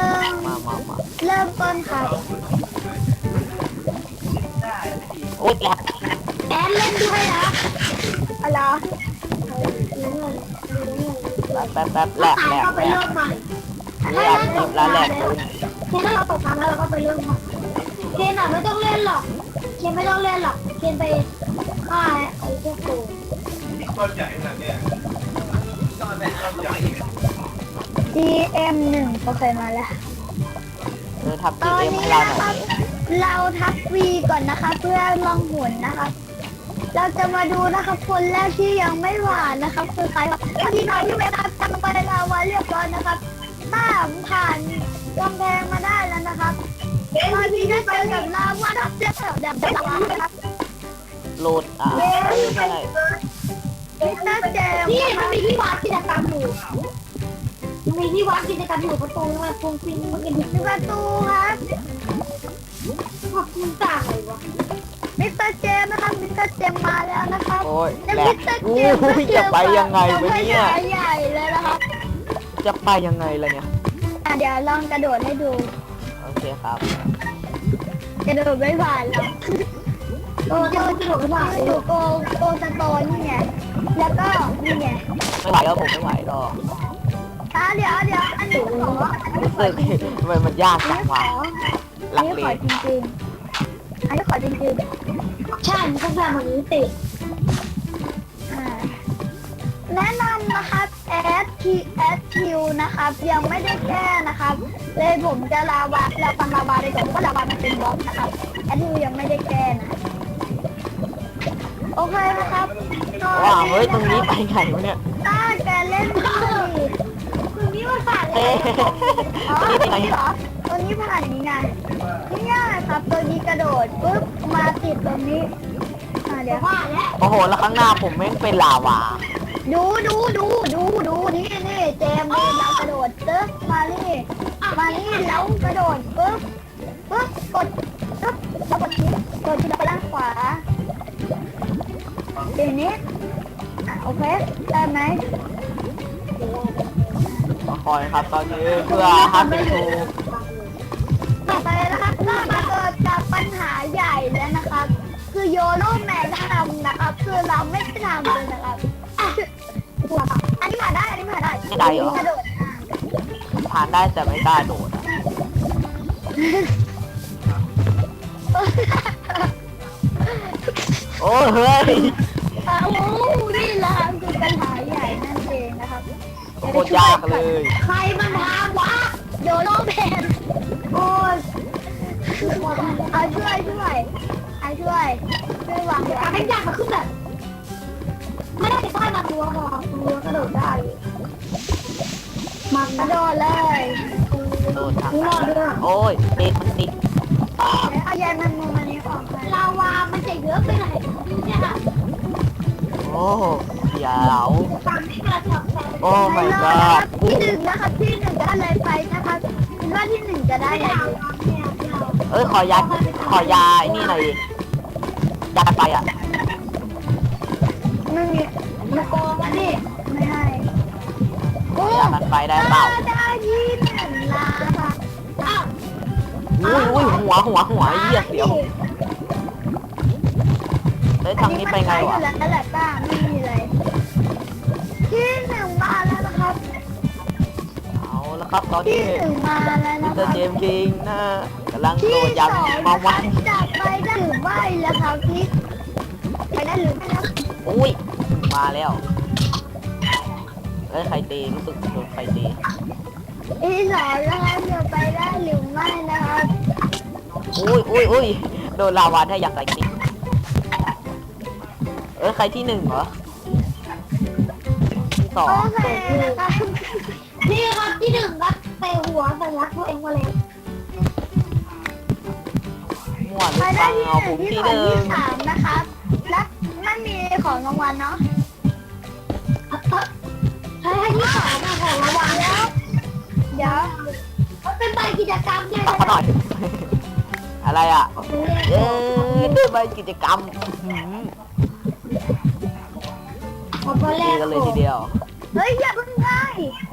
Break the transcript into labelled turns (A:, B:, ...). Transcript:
A: มา
B: เริ่มต้นครับ
A: โอ๊ยแหลก
B: แอนเล่นด้วยนะอะไร
A: แป๊บแหลก
B: ก็ไปเริ่มใหม่
A: นี่อัดคลิปแล้วแหลกเลย
B: เคนถ้าเราตกครั้งแล้วเราก็ไปเริ่มใหม่เคนอ่ะไม่ต้องเล่นหรอกเคนไม่ต้องเล่นหรอกเคนไปฆ่าไอ้พวกโกงGM1เขาเคยมาแล้ว
A: ทับ
B: ตอน
A: GM
B: นี้
A: ให้เรา
B: นะ
A: หน่
B: ครั
A: อบ ย
B: เราทับ V ก่อนนะคะ เพื่อลองหุนนะคะเราจะมาดูนะคะคนแรกที่ยังไม่หวานนะครับคือใครครับที่น้อยที่เวลาทำไปเราไว้เรียบร้อยนะครับถ้าผ่านกำแพงมาได้แล้วนะครับตอนนี้ได้เจอกับลาวาทับเจ็บแบบลาวานะครับ
A: โหลดไม่ใช่
B: มิสเตอร์เจมส์นี่มันมีที่วัดกิจกรรมอยู่มีที่วัดกิจกรรมอยู่ประตูมันคงฟินมันเป็นประตูครับขอบคุณจ่าเลยวะมิสเตอร์เจมส์นะครับมิสเตอร์เจมส์มาแล้วนะครับ
A: โอ้ย
B: และ
A: แหล
B: มิ
A: ก
B: สเตอร์
A: อู้
B: เจมส์ก็
A: ยจะไปยังไงวะเนี่ย
B: ใหญ่เลยนะครับ
A: จะไปยังไงล่ะเนี่ย
B: เดี๋ยวลองกระโดดให้ดู
A: โอเคครับ
B: กระโดดไม่ผ่านหรอกโกกระโดดไม่ผ่านดูโกสโตนนี่ไงแล้วก็นี่ไง
A: ไม่ไหวแล้วผมไม่ไหวหรอก
B: เดี๋ยวอันนี้ขออันนี้ขอ
A: ทำไมมันยากจังวะ
B: อั
A: ลั
B: น
A: ก
B: นี้
A: เล
B: ขอย จริงๆอันนี้ขอจริงๆใช่มันต้องการแบบนี้ติแนะนำนะครับ SQ นะครับยังไม่ได้แก้นะครับเลยผมจะลาวาเราฟังลาวาไปก่อนเพราะลาวามันเป็นบล็อกนะครับ SQ ยังไม่ได้แก้นะโอเคนะครับ
A: ว้าวเฮ้ยตรงนี้ไปไงวะเนี่ย
B: ถ้าแกเล่นดีตรงนี้มันผ่านเล
A: เอ๊
B: ย อ๋อ
A: นี่ไปไหน
B: เหรอตัวนี้ผ่านนี้ไงนี่ง่ายครับตัวนี้กระโดดปุ๊บมาติดตรงนี้เดี๋ยวผ่านแล้ว
A: โอ้โหแล้วข้างหน้าผมแม่งเป็นลาวา
B: ดูนี่เจมส์นี่เรากระโดดตึ๊บมานี่แล้วกระโดดปุ๊บกดปึ๊บแล้วกดที่ไปด้านขวาทีนี้โอเคได้ไหม
A: มาคอยครับตอนนี้เพื่อฮัทเป็นทู
B: ต่อไปนะครับก็มาเกิดกับปัญหาใหญ่แล้วนะครับ คือโยโรแมนทำนะครับคือเราไม่ได้ทำเลยนะครับอันนี้ผ่านได้กระโดด
A: ผ่านได้แต่ไม่กล้าโดดอะโอ้เฮ้ย
B: นี่แหละคือปัญหาใหญ่นั่นเองนะครับ
A: โคตรยากเลย
B: ใครมันทำวะโยโรแมนโอ้ยเอาช่วยวางการให้ยากมาขึ้นแบบไม่ได้ไปใต้มาตัวหรอกตัวกระโดดได้มันกระโดดเลย
A: โดดทางโอ้ยติดมันติด
B: เอายามันมุมอันนี้ออกลาวามันจะเยอะไปไหนเนี่ย
A: โอ้เดี๋ยว
B: ฟังที่กระชับแต่
A: โอ้ my god
B: ที่หนึ่งนะครับที่หนึ่งได้อะไรไปนะครับคิดว่าที่หนึ่งจะได้อะไร
A: เอ้ยขอยาไอ้นี่หน่อยดิยาไปอ่ะ
B: ไม่มีมาโกงอันนี้ไม่ให้โอ้
A: ยามันไปได้เปล่า
B: ได้ที่หนึ่งลาค่ะอ้าว
A: อุ้ยหัวเหี้ยเสียวเฮ้ยทางนี้ไปไงวะ
B: แล้วแหละป้าไม่มีเลยที่หนึ่งมาแล้วนะครับ
A: เอาละครับตอน
B: ที่
A: นี้
B: หนึ่งมาแล้ว
A: มิ
B: นะ
A: ส
B: ค
A: เตอ
B: รับ
A: ร์เจมส์คิงนะกำลังโด
B: ที่
A: ด
B: ส
A: ยา
B: อง
A: มาวัน
B: จากไปได้หรือไม่แล้วครับที่ไปได้หรือไม่แล้ว
A: อุ้ยมาแล้วเอ้ยใครตีรู้สึกโดนใครตี
B: ที่สองนะครับจะไปได้หรือไม่นะครับ
A: อุ้ยโดนลาวาได้อยากใส่ติ๊กเอ้ยใครที่หนึ่งเหรอที่สอง
B: โอเคนะครับนี่ครับที่หนึ่งครับเตะหัวสัญลักษณ์ตัวเองมาเลย
A: มั่วหรื
B: ไป
A: อเป
B: ได้
A: ล่า
B: ที่ห
A: ผ
B: นึ่ง
A: ม
B: ที่
A: ที่
B: สอง
A: หนึ่ง
B: ที่สามนะครับและไม่มีของรางวัลเนาะใช่ที่สามของรางวัลแล้วเดี๋ยวมันเป็นใบกิจกรรมใช่ไหม
A: ตักเขาหน่อย อะไรอ่ะเอ้ยได้ใบกิจกรรม
B: ผมก็แร
A: ตี
B: ก
A: กันเลยทีเดียว
B: เฮ้ยอย่าเพิ่งได้